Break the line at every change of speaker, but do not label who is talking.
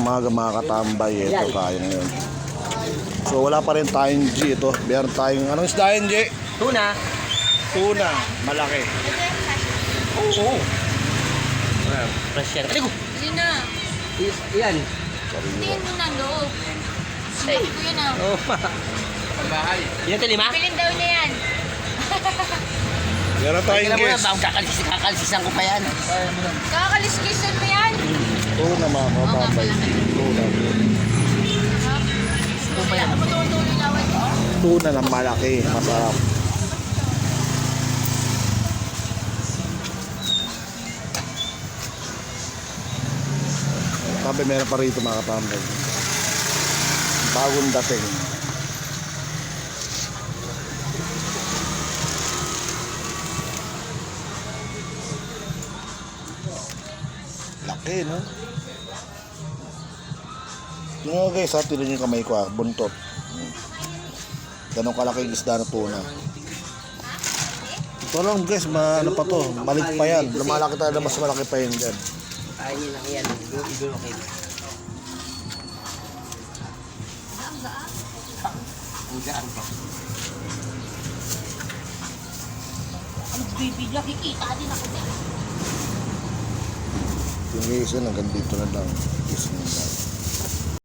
umaga mga katambay. Ito tayo ngayon. So wala pa rin tayong G ito. Meron tayong anong isda yun, G?
Tuna.
Tuna, malaki.
Oo. Fresh yan. Aligo!
Yun na.
Yan.
Tingin mo na loob. Sinabi ko yun ah.
Oo. Yan ito 5?
Bilhin daw na yan.
Meron tayong
Kailan mo na
guest.
ba? Kakalsisan ko pa yan.
Kakaliskisan mo yan.
Tuna mga katambay. Tuna.
Tuloy lawan ko.
Tuna na malaki, masarap. Sabi meron pa rito mga katambay. Bagong dating. Laki, no? Yung nga guys, ha, tinan yung kamay ko, buntot. Ganun kalaki yung isda na tuna. Ito lang guys, ano pa to, malit pa yan. Lumalaki tayo na mas malaki pa yun dyan.
Ay, yun lang yan. Idol okay. Ang gaan pa.
Ang bibigla, kikita din ako dyan.
Yung isa hanggang dito na lang. Kiss mo lang.